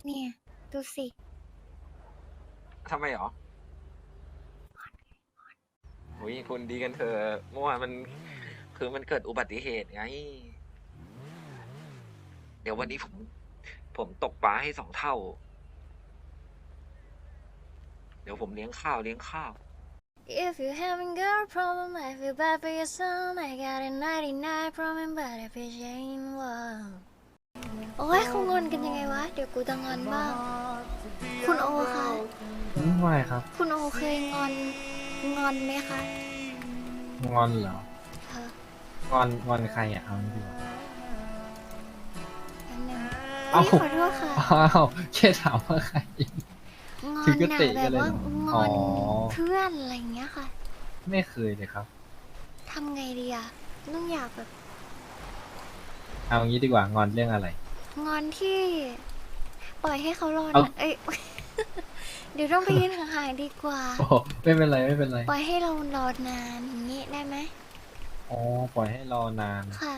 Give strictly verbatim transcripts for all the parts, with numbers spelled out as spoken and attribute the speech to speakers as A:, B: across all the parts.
A: เนี่ยดูสิ
B: ทำไมหรออุ้ยคุณดีกันเถอะเมื่อวานมันคือมันเกิดอุบัติเหตุไงเดี๋ยววันนี้ผมผมตกปลาให้สองเท่าเดี๋ยวผมเลี้ยงข้าวเลี้ยงข้าว
A: If you having girl problem I feel bad for your son I got a ninety-nine problem but if it ain't one โอ้ยเขางอนกันยังไงวะเดี๋ยวกูจะงอนบ้างคุณโอคะ
C: อืมไม่ครับ
A: คุณโอเคยงอนงอนไหมคะ
C: งอนเหรอ
A: เธอ
C: งอนงอนใครอ่ะเอาดีกว่า
A: อันหนึ่ง
C: เอ้า
A: พี่ขอโทษค่ะ
C: อ้าวแค่ถามว่าใคร
A: งอ
C: ถึงก็
A: นหนัก
C: เตะ
A: แบบว่า
C: กันเลยเหรอ
A: ง
C: อ๋อ
A: อนเพื่อนอะไรเงี้ยค่ะ
C: ไม่เคยเลยครับ
A: ทำไงดีอะต้องอยากแบบ
C: เอางี้ดีกว่างอนเรื่องอะไร
A: งอนที่ปล่อยให้เขารอน
C: เอา
A: เอ้ยเดี๋ยวต้องไปยืนห่างๆดีกว่า
C: โอ้ไม่เป็นไรไม่เป็นไร
A: ปล่อยให้เรารอนานอย่างนี้ได้ไหม
C: อ๋อปล่อยให้รอนาน
A: ค่ะ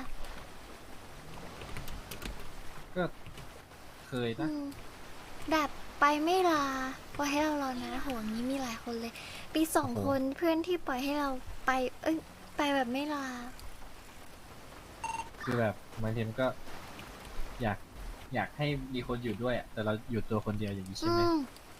C: ก็เคย
A: อื
C: นะ
A: มแบบไปไม่ลาปล่อยให้เรารอนานโหอย่างนี้มีหลายคนเลยปีสอง
C: โอ้โห
A: คนเพื่อนที่ปล่อยให้เราไปเอ้ยไปแบบไม่ลา
C: คือแบบบางทีมันก็อยากอยากให้มีคนอยู่ด้วยอะแต่เราอยู่ตัวคนเดียวอย่างนี้
A: อื
C: ใช่ไหม
A: ม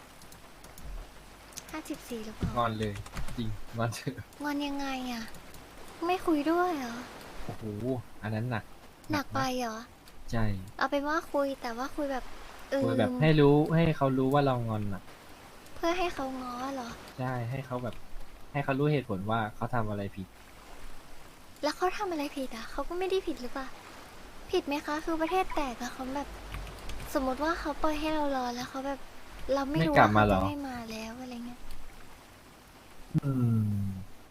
A: ห้าสิบสี่หรือเปล่า
C: งอนเลยจริงงอนเถอะ
A: งอนยังไงอ่ะไม่คุยด้วยเหรอ
C: โอ้โหอันนั้นหนัก
A: หนักไป
C: นะ
A: เหรอ
C: ใช่
A: เอาเป็นว่าคุยแต่ว่าคุยแบบอื
C: คุยแบบ
A: ม
C: ให้รู้ให้เขารู้ว่าเรางอนอ่ะ
A: เพื่อให้เขาง้อเหรอ
C: ใช่ให้เขาแบบให้เขารู้เหตุผลว่าเขาทำอะไรผิด
A: แล้วเขาทำอะไรผิดอ่ะเขาก็ไม่ได้ผิดหรือเปล่าผิดไหมคะคือประเทศแตกอะเขาแบบ สมมติว่าเขาปล่อยให้เรารอแล้วเขาแบบเราไม่
C: ไม่
A: รู้
C: กลับ
A: ว่าเขาจะ
C: มาเหรอ
A: ไม่มาแล้วอะไรเงี้ย
C: อืม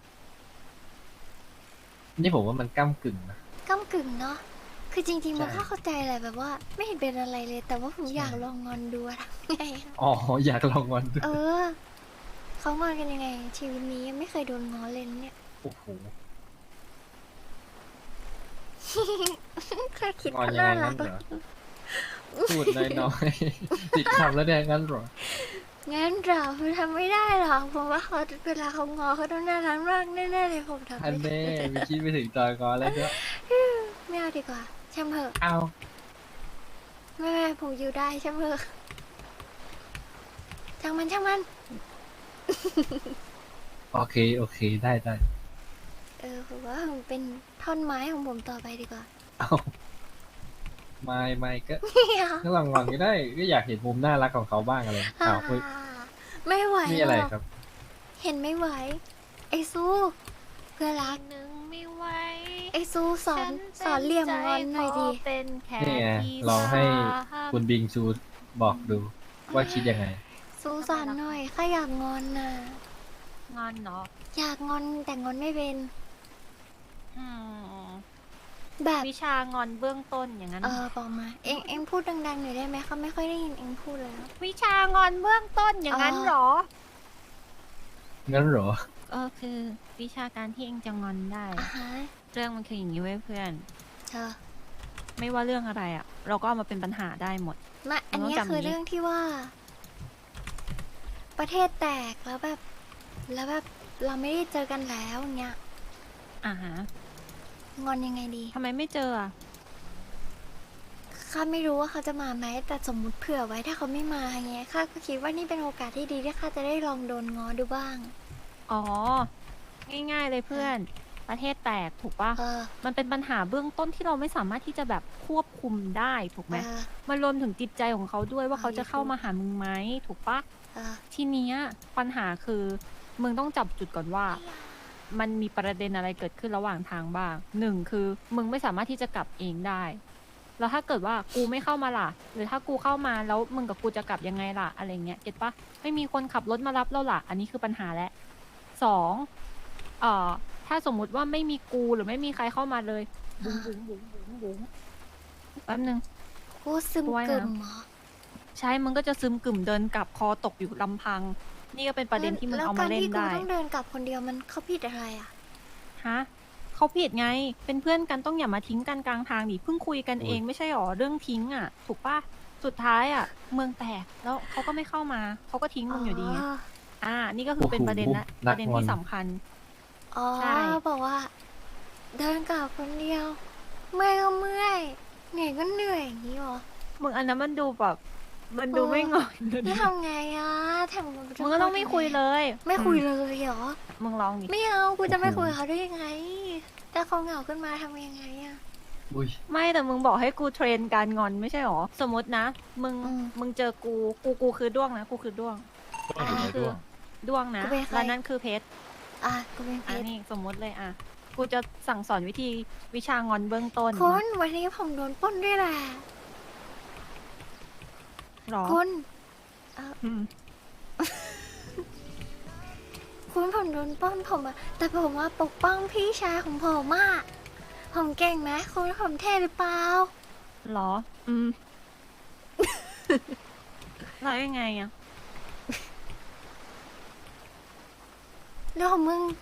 C: นี่ผมว่ามันก้ากึ่งนะ
A: ก้ากึ่งเนาะคือจริงๆมัน
C: ใช่
A: ก็เข้าใจแหละแบบว่าไม่เห็นเป็นอะไรเลย แต่ว่าผมอ
C: ใช่
A: ยากลองงอนดูอะทำไงอะ
C: อ๋ออยากลองงอนดู
A: เออเขางอนกันยังไงชีวิตนี้ยังไม่เคยโดนง้อเลยนะเนี่ย
C: โอ้โห
A: แค่คิด
C: งอน
A: ก็
C: ยังไง
A: น่ารักแล้ว
C: งั้นเหรอพูดน้อยๆติดคำแล้วเนี่ยงั้นเหรอ
A: งั้นเราทำไม่ได้หรอกผมว่าเขาเวลาเขางอเขาต้องน่ารักมากแน่ๆเลยผมทำ
C: อัน
A: ไม่ได้
C: แน่ไม่คิดไปถึงตอนงอนแล้วด้วย
A: ไม่เอาดีกว่าช่างเถอะ
C: เอา
A: ไม่ไม่ผมอยู่ได้ช่างเถอะช่างมันช่างมัน
C: โอเคโอเคได้ได้
A: เออผมว่าผมเป็นท่อนไม้ของผมต่อไปดีกว่า
C: เอาไม่ไม่ก็
A: ไม่เอา
C: ก็ลองงอนก็ได้ก็อยากเห็นมุมน่ารักของเขาบ้างอะไรอ้าวอุ๊ย
A: ไม่ไหว
C: มี
A: หรอก
C: อะไรครับ
A: เห็นไม่ไหวไอซูเพื่อนรัก
D: หนึ่งไม่ไหว
A: ไอซูสอน
D: ฉัน
A: สอนเหลี่ยมงอนห
D: ใจ
A: น่อยดิ
D: ขเป็นแค่
C: นี่ไง
D: ที่
C: ลองให้
D: สาม
C: คุณบิงซูบอกดูว่าคิดยังไง
A: ซูสอนหน่อยข้าอยากงอนน่ะ
D: งอนเนาะ
A: อยากงอนแต่งอนไม่เป็น
D: อืม
A: แบบ
D: วิชางอนเบื้องต้นอย่างนั้น
A: เออบอกมาเอ็งเอ็งพูดดังๆหน่อยได้ไหมเขาไม่ค่อยได้ยินเอ็งพูดแล้ว
D: วิชางอนเบื้องต้นอย่างนั้นเหรอ
C: งั้นเหรอ
D: ก็คือวิชาการที่เองจะงอนได้
A: อ่ะฮะ
D: เรื่องมันคืออย่างนี้เว้ยเพื่อน
A: เธอ
D: ไม่ว่าเรื่องอะไรอ่ะ เราก็เอามาเป็นปัญหาได้หมด
A: มาอันนี้คือเรื่องที่ว่า ประเทศแตกแล้วแบบ แล้วแบบเราไม่ได้เจอกันแล้วเงี้ย
D: อ่าฮะ
A: งอนยังไงดี
D: ทำไมไม่เจออ่ะ
A: ข้าไม่รู้ว่าเขาจะมาไหมแต่สมมุติเผื่อไว้ถ้าเขาไม่มาเงี้ยข้าก็คิดว่านี่เป็นโอกาสที่ดีที่ข้าจะได้ลองโดนง้อดูบ้าง
D: อ๋อง่ายๆเลยเพื่อนประเทศแตกถูกปะ
A: เออ
D: มันเป็นปัญหาเบื้องต้นที่เราไม่สามารถที่จะแบบควบคุมได้ถูกไหม
A: เออ
D: มันรวมถึงจิตใจของเขาด้วยว่า
A: เออ
D: เขาจะเข้ามาหามึงไหมถูกปะ
A: เออ
D: ทีเนี้ยปัญหาคือมึงต้องจับจุดก่อนว่า มันมีประเด็นอะไรเกิดขึ้นระหว่างทางบ้างหนึ่งคือมึงไม่สามารถที่จะกลับเองได้แล้วถ้าเกิดว่ากูไม่เข้ามาล่ะหรือถ้ากูเข้ามาแล้วมึงกับกูจะกลับยังไงล่ะอะไรเงี้ยเก็ตปะไม่มีคนขับรถมารับเราล่ะอันนี้คือปัญหาแล้วสองเอ่อถ้าสมมุติว่าไม่มีกูหรือไม่มีใครเข้ามาเลยบุ๋งบุ๋งบุ๋งบุ๋งบุ๋งแป๊บนึง
A: กูซึมกึ่มเหรอ
D: ใช่มึงก็จะซึมกึ่มเดินกลับคอตกอยู่ลำพังนี่ก็เป็นประเด็นที่มึงเอามาเล่นได้
A: แล้วการที่กูต้องเดินกลับคนเดียวมันเขาผิดอะไรอ่ะ
D: ฮะเขาผิดไงเป็นเพื่อนกันต้องอย่ามาทิ้งกันกลางทางดิเพิ่งคุยกันเอ
C: อุ้ย
D: งไม่ใช่หรอเรื่องทิ้งอ่ะถูกปะสุดท้ายอ่ะ เมืองแตกแล้วเขาก็ไม่เข้ามาเขาก็ทิ้งมึงอยู่ดีไงอ่า นี่ก็คือเป็นประเด็นละประเด็นที่สำคัญ
A: อ๋อ
D: ใช่
A: บอกว่า เดินกลับคนเดียว เมื่อยก็เมื่อยเหนื่อยก็เหนื่อยอย่างนี้หรอ
D: มึงอันนั้นมันดูแบบมันดูไม่งอน
A: นี่ทำไงอ่ะแถม
D: มึงก็ต้องไม่คุยเลย
A: ไม่คุย
D: อื
A: เลยเหรอ
D: มึงลองดิ
A: ไม่เอากูจะไม่คุยกับเขาได้ยังไงถ้าเขาเหงาขึ้นมาทำยังไงอ่ะ
C: อุ้ย
D: ไม่แต่มึงบอกให้กูเทรนการงอนไม่ใช่หรอ สมมตินะ มึง
A: อืม
D: มึงเจอกูกูกูคือด้วงนะกูคือด้วง
C: ต้องอยู่ในด้วง
D: ด้วงนะ
A: กูเป็นใคร
D: แล้วนั่นคือเพชร
A: อ่ะกูเป็นเพ
D: อ่ะ
A: ชร
D: นี่สมมติเลยอ่ะกูจะสั่งสอนวิธีวิชางอนเบื้องต้น
A: คุณวันนี้ผมโดนปล้นด้วยแหละ
D: หรอ
A: คุณ
D: อืม
A: คุณผมโดนปล้นผมอะแต่ผมว่าปกป้องพี่ชายของผมอะผมเก่งไหมคุณผมเท่หรือเปล่า
D: หรอ อืม แล้วยังไงอ่ะ
A: เรื่องของมึง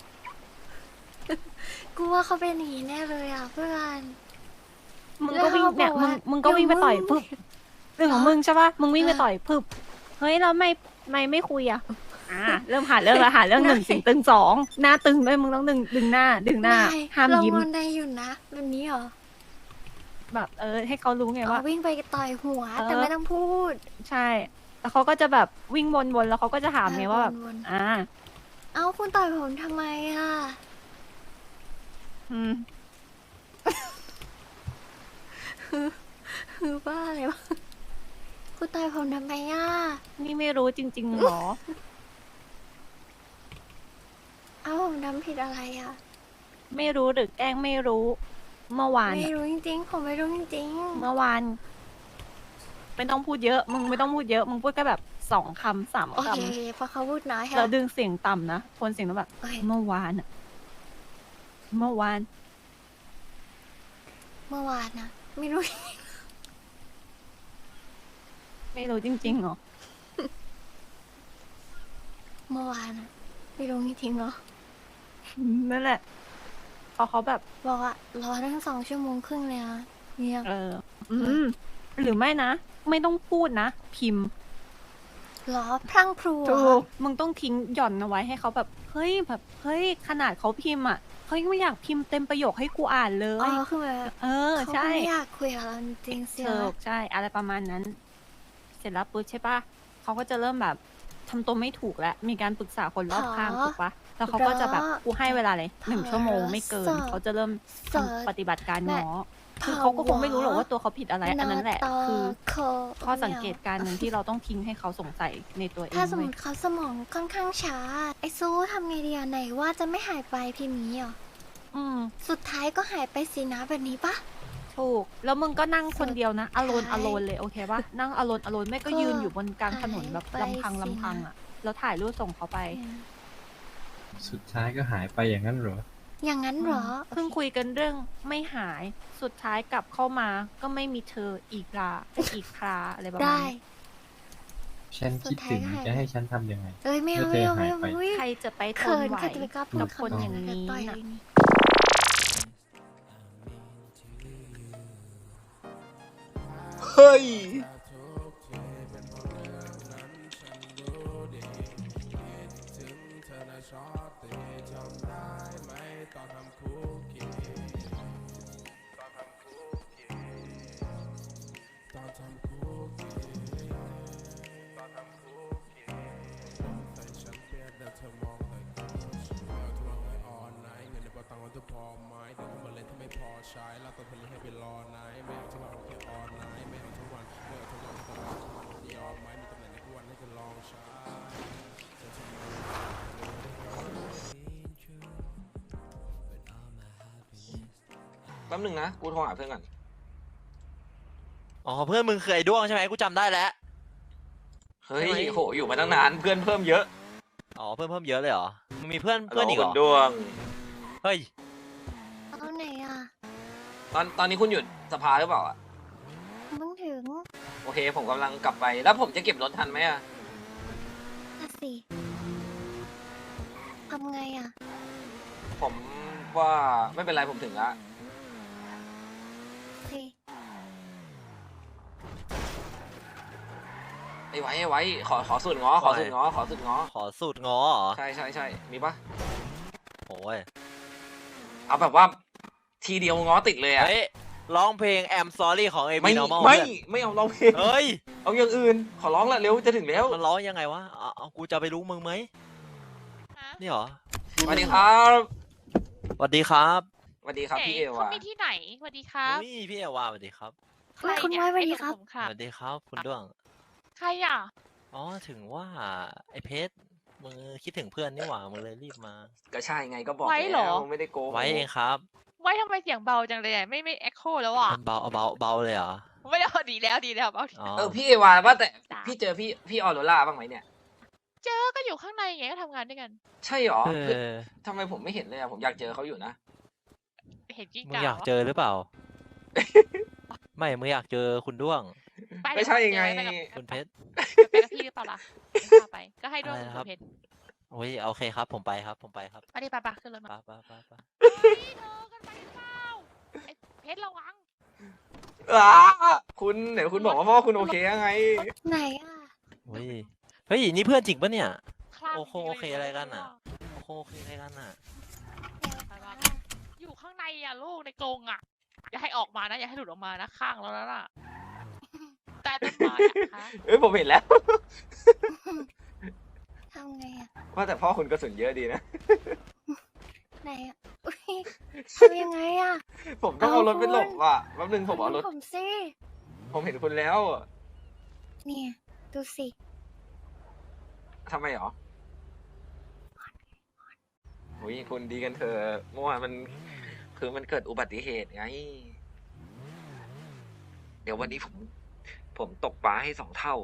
A: กูว่าเขาเป็นอย่างนี้แน่เลยอ่ะเพื่อน
D: มึงก็วิ่งเนี่ย
A: แล้วเขาบอก
D: มึ
A: ว่า
D: งมึงก็วิ่งไปต่อย
A: เดี๋ยวมึง
D: ปึ๊บเรื่องของมึงใช่ปะมึงวิ่งไป
A: อ่ะ
D: ต่อยปึ๊บเฮ้ยแล้วไม่ไม่ไม่คุยอ่ะ อ่า เริ่มหาเรื่องแล้วหาเรื่องหนึ่งสิ่งตึงสองหน้าตึงด้วยมึงต้องดึงดึงหน้า ดึงหน้า
A: ได้
D: ห้าม
A: เรา
D: ยิ้ม
A: งอนได้อยู่นะแบบนี้เหรอ
D: แบบเออ ให้เขารู้ไงว่า
A: เอาวิ่งไปต่อยหัว
D: เออ
A: แต่ไม่ต้องพูด
D: ใช่ แล้วเขาก็จะแบบวิ่งวนๆแล้วเขาก็จะถามไงว่าแบบ
A: วน
D: อ่า
A: ๆเอาคุณต่อยผมทำไมอ่ะ
D: อืม
A: คือบ้าอะไรวะคุณต่อยผมทำไมอ่ะ
D: นี่ไม่รู้จริงๆหรอ
A: เอาผมทำผิดอะไรอ่ะ
D: ไม่รู้หรือแกล้งไม่รู้ เมื่อวาน
A: ไม่
D: อะ
A: รู้จริงๆ ผมไม่รู้จริง
D: เมื่อวาน ไม่ต้องพูดเยอะ มึงไม่ต้องพูดเยอะ มึงพูดแค่แบบสองคำสาม
A: ๆ โอ
D: ค
A: เคเพราะเขาพูดน้อย
D: ำ
A: ค่ะ
D: แล้วดึงเสียงต่ำนะโทนเสียงแล้วแบบ
A: โอเค
D: เมื่อวานอะเมื่อวาน
A: เมื่อวานนะไม่รู้
D: ไม่รู้จริงๆหรอ
A: เมื่อวานอะไม่รู้จริงๆเหรอ
D: นั่นแหละพอเขาแบบ
A: บอกว่ารอตั้งสองชั่วโมงครึ่งเลยนะเนี่ย
D: เออ อืม หรือไม่นะ ไม่ต้องพูดนะ พิมพ์
A: รอพรั่งพรูอะ
D: ถูกมึงต้องทิ้งหย่อนเอาไว้ให้เขาแบบ เฮ้ยแบบ เฮ้ย ขนาดเขาพิมพ์อ่ะเขายังไม่อยากพิมพ์เต็มประโยคให้กูอ่านเล
A: อ๋
D: ย
A: อคือแบบ
D: เออ
A: เขา
D: ใช่
A: ไม่อยากคุยกับเราจริงๆเสีย
D: ถูกใช่ อะไรประมาณนั้น เสร็จแล้วปุ๊บใช่ปะเขาก็จะเริ่มแบบทำตัวไม่ถูกแล้ว มีการปรึกษาคนรอบข้างถูกปะแล้วเขาก็จะแบบกูให้เวลาเลยหนึ่งชั่วโมงไม่เกิน เขาจะเริ่มทำปฏิบัติการง้อคือเขาก็คงไม่รู้หรอกว่าตัวเขาผิดอะไร อันนั้นแหละ คือ ข้อสังเกตการณ์หนึ่งที่เราต้องทิ้งให้เขาสงสัยในตัวเอง
A: ถ้าสมม
D: เว้ย
A: ติเขาสมองค่อนข้างช้า ไอ้ซูทำไงดีอะไหนว่าจะไม่หายไปพิมพ์นี้เหรอ
D: อืม
A: สุดท้ายก็หายไปสินะแบบนี้ปะ
D: ถูก แล้วมึงก็นั่งคนเดียวนะ อโลน
A: ใช่
D: อโลนเลยโอเคปะนั่งอโลน อโลนไม่ก็
A: ก็
D: ยืนอยู่บนกลางถนนแบบ
A: หายไป
D: ลำพัง
A: สินะ
D: ลำพังอ่ะ แล้วถ่ายรูปส่งเขาไป
C: สุดท้ายก็หายไปอย่างนั้นเหรอ
A: อย่างนั้นเหรอ
D: เพิ่งคุยกันเรื่องไม่หาย สุดท้ายกลับเข้ามาก็ไม่มีเธออีกลาอีกคราอะไรประมาณ
A: ได้
D: นี้
C: ฉันคิดถึง
A: สุดท้ายก็หาย
C: จะให้ฉันทำยังไง
A: เอ้ยไม่เอา
C: เมื่
A: ไม่
C: อ
A: เอา
C: เธอ
A: ไม่เอา
C: หายไป
A: อุ๊ย
D: ใครจะไปท
A: เขิ
D: น
A: น
D: ไหว
A: ใครจะไปกล้าพู
D: กั
A: ด
D: บคนอย่าง
A: นี้
D: นี้
A: ต่อย
D: น่ะ
A: เลยนี่
B: เฮ้ย แป๊บหนึงนะ กูโทรหาเพื่อนก่อน
E: อ๋อเพื่อนมึงเคยด้วงใช่ไหมกูจำได้แล้ว
B: เฮ้ย
E: ทำไม
B: โห อยู่มาตั้งนาน เพื่อนเพิ่มเยอะ
E: อ๋อเพื่อนเพิ่มเยอะเลยเหรอมึงมีเพื่อนเพื่อนอีกเหรอ
B: คุณดวง
E: เฮ้ย
A: เอาไหนอ่ะ
B: ตอนตอนนี้คุณหยุดสภาหรือเปล่าอ่ะ
A: เพิ่งถึง
B: โอเค ผมกำลังกลับไป แล้วผมจะเก็บรถทันไหมอ่ะ
A: น่ะสิทำไงอ่ะ
B: ผมว่าไม่เป็นไรผมถึงละ
A: สิ
B: ไอ้ไว้ไอ้ไว้ขอขอสูตรง้อขอสูตรง้อขอสูตรง้อ
E: ขอสูตรง้อเหรอ
B: ใช่ใช่ใช่มีปะ
E: โอ้ย
B: เอาแบบว่าทีเดียวง้อติดเลยอะ
E: เฮ้ยร้องเพลง I'm sorry ของ เอ บี
B: ไม่
E: Normal
B: ไม่
E: เพื่อน
B: ไม่เอาร้องเพลง
E: เฮ้ย
B: เอาอย่างอื่นขอร้องละเร็วจะถึงแล้ว
E: มันร้องยังไงวะเอาเอากูจะไปรู้มึงไหมนี่เหรอ
B: สวัสดีครับ
E: สวัสดีครับ
B: สวัสดีครับพี่เอ
F: เขา
B: วา
F: มีที่ไหนสวัสดีครับ
E: อุ้ยพี่เอวาสวัสดีครับ
F: ใคร
A: คุณ
F: เนี่ย
A: ไว้สวัสดีครับ
F: ไอ้ผม
E: ส
F: ค่ะ
E: วัสดีครับคุณด้วง
F: ใครอ่ะ
E: อ๋อถึงว่าไอเพชรมึงคิดถึงเพื่อนนี่หว่ามึงเลยรีบมา
B: ก็ใช่ไงก็บอก
F: ไว้เหรอ
B: แล้วไม่ได้โกง
E: ไว้เองครับ
F: ไว้ทำไมเสียงเบาจังเลยอะไม่ไม่เอ็กโคแล้วอ่ะ
E: มันเบาเบาเบาเลยเหรอ
F: ไม่ได้ดีแล้วดีแล้วเบาดี
E: อ๋อ
B: เออพี่เอวาว่าแต่
F: จ้ะ
B: พี่เจอพี่พี่ออโรล่าบ้างไหมเนี่ย
F: เจอก็อยู่ข้างในไงก็ทำงานด้วยกัน
B: ใช่หรอ
E: เอ
B: คือ
E: อ
B: ทำไมผมไม่เห็นเลยอะผมอยากเจอเขาอยู่นะ
F: เห็นกิ้ง
E: มึง
F: ก่า
E: อยาก
F: วะ
E: เจอหรือเปล่า ไม่มึงอยากเจอคุณด้วง
F: ป
B: ไม่ใช่
F: เดี๋ยว
B: ไง
F: ปกับ
E: คุณเพชร
F: ไปกับพี่หรือเปล่าล่ะไม่พาไปก็ให้ด้วย
E: อะไรนะครับ
F: คุณเพชร
E: โอ้ยโอเคครับ ผมไปครับ ผมไปครับ
F: ไปดิไปไปขึ้นรถ
E: ไป
F: มา
E: ไปไปไป
F: เฮ้ยเธอกันไปหรือเปล่าไอ้เพชรระวัง
B: อ้าคุณเดี๋ยวคุณบอกว่าพ่อคุณโอเคยังไง
A: ไหนอ่ะ
E: โอ้ยเฮ้ยนี่เพื่อนจริงปะเนี่ย
F: คลั่ง
E: โอเคโอเคอะไรกันอะ โอ้โหโอเคอะไรกันอ่ะ
F: ไปวะอยู่ข้างในอ่ะลูกในกรงอ่ะอย่าให้ออกมานะอย่าให้หลุดออกมานะข้างแล้วนะน่ะแต่ต้นไม้อะคะ
B: เอ้ยผมเห็นแล้ว
A: ทำไงอ่ะ
B: ว่าแต่พ่อคุณกระสุนเยอะดีนะ
A: ไหนอ่ะอุ๊ยทำยังไงอ่ะ
B: ผมต้องเอารถไปหลบว่ะแป๊บนึงผมเอารถ
A: ผมสิ
B: ผมเห็นคุณแล้ว
A: เนี่ยดูสิ
B: ทำไมหรอโอ้ยคุณดีกันเถอะเมื่อวานมันคือมันเกิดอุบัติเหตุไง เดี๋ยววันนี้ผม ผมตกปลาให้สองเท่า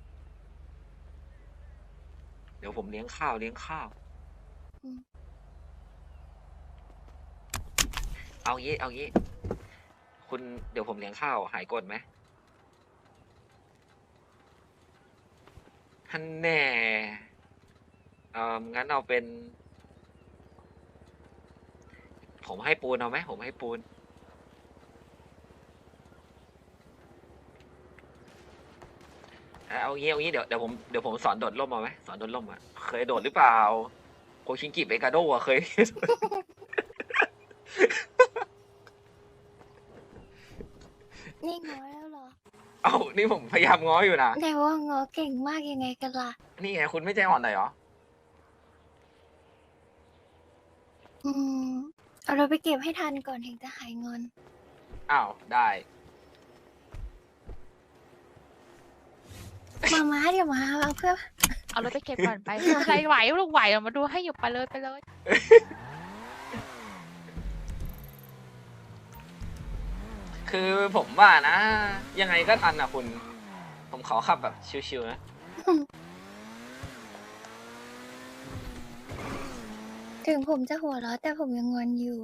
B: เดี๋ยวผมเลี้ยงข้าวเลี้ยงข้าว
A: อืม
B: เอางี้เอางี้ คุณเดี๋ยวผมเลี้ยงข้าวหายกดไหมท่านแน่เอองั้นเอาเป็น ผมให้ปูนเอาไหมผมให้ปูน เอางี้เอางี้เดี๋ยวเดี๋ยวผมเดี๋ยวผมสอนโดดร่มเอาไหมสอนโดดร่มอ่ะเคยโดดหรือเปล่าโคชิงกิเบกาโดอ่ะเคย
A: นี่งอแล้วเหรอ
B: เอ้านี่ผมพยายามง้ออยู่นะ
A: แต่ว่างอเก่งมากยังไงกันล่ะ
B: นี่ไงคุณไม่ใจอ่อนหน่อยเหรอ
A: อืมเอาเราไปเก็บให้ทันก่อนถึงจะหายงอน
B: อ้าวได้
A: มาม้าเดี๋ยวมาเอาเพื่อ
F: เอารถไปเก็บก่อนไปไม่เป็นไรไหวลูกไหวเรามาดูให้อยู่ไปเลยไปเลย
B: คือผมว่านะ ยังไงก็ทันอ่ะคุณ ผมขอขับแบบชิวๆนะ
A: ถึงผมจะหัวเราะแต่ผมยังงอนอยู่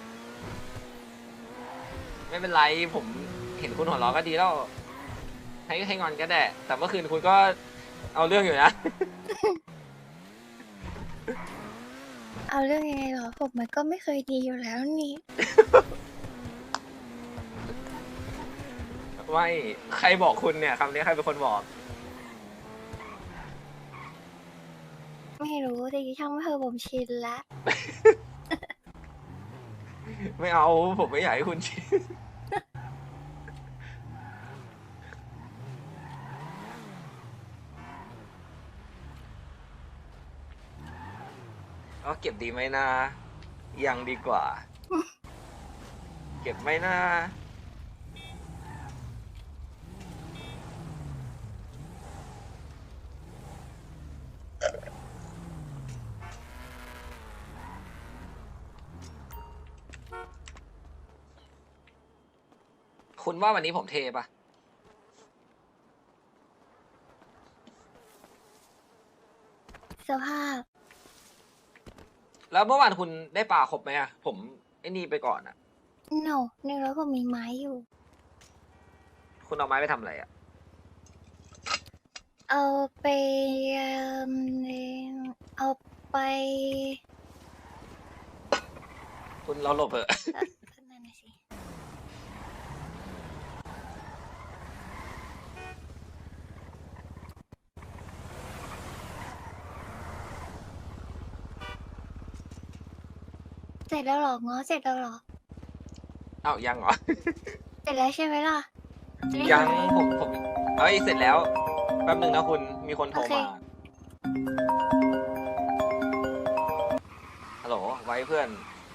B: ไม่เป็นไรผมเห็นคุณหัวเราะก็ดีแล้ว ให้ให้งอนก็ได้ แต่เมื่อคืนคุณก็เอาเรื่องอยู่นะ
A: เอาเรื่องยังไงเหรอผมมันก็ไม่เคยดีอยู่แล้วนี่
B: ไม่ใครบอกคุณเนี่ยคำนี้ใครเป็นคนบอก
A: ไม่รู้แต่ช่างไม่เธอะผมชินละ
B: ไม่เอาผมไม่อยากให้คุณชิน ก็เก็บดีไหมนะ ยังดีกว่า เก็บไหมนะ คุณว่าวันนี้ผมเทปะ
A: สภาพ
B: แล้วเมื่อวานคุณได้ปลาครบไหมอะผมไอ้นี่ไปก่อนอะ
A: no ในรถผมมีไม้อยู่
B: คุณเอาไม้ไปทำอะไรอะ
A: เอาไปเอิ่มเอาไป
B: คุณเราหลบเถอะ
A: นั่นน่ะสิเสร็จแล้วเหรอง้อเสร็จแล้วเหรอ
B: เอ้ายังเหรอ
A: เสร็จแล้วใช่ไหมล่ะจะได้
B: ยัง
A: หา
B: ผมผมเอ้ยเสร็จแล้วแป๊บหนึ่งนะคุณมีคนโทร
A: โอเค
B: มาฮัลโหลไว้เพื่อน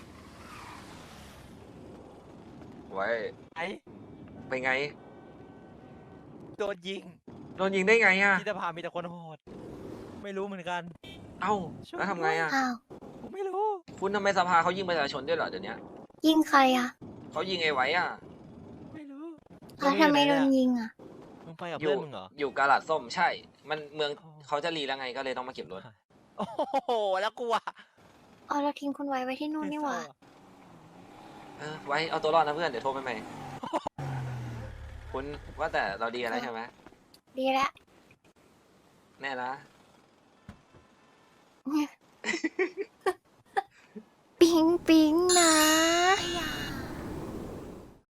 B: ไว้
E: ไอ้
B: ไปไง
E: โดนยิง
B: โดนยิงได้ไงอ่ะ
E: ที่สภามีแต่คนโหด ไม่รู้เหมือนกัน
B: เอ้าแล้วทำไงอ่ะ
A: อ้าว
E: ผมไม่รู้
B: คุณทำไมสภาเขายิงประชาชนด้วยเหรอเดี๋ยวนี้
A: ยิงใครอ่ะ
B: เขายิงไอ้ไว้อ่ะ
E: ไม่รู้
A: แล้วทำไมโดนยิงอ่ะ
E: มึงไปกับ
B: อ
E: เพื่
B: ยู่
E: อนมึงเหรอ
B: อยู่กาลาดส้มใช่ มันเมืองเขาจะรีแล้วไงก็เลยต้องมาเก็บรถ
E: โอ้โห แล้วกูอะ
A: อ๋อเราทิ้งคุณไว้ไว้ที่นู่นนี่หว่า
B: เออไว้เอาตัวรอดนะเพื่อนเดี๋ยวโทรไปใหม่ คุณว่าแต่เราดีกันแล้วใช่ไหม
A: ดีแล้ว
B: แน่นะ
A: ปิ๊งปิ๊งนะ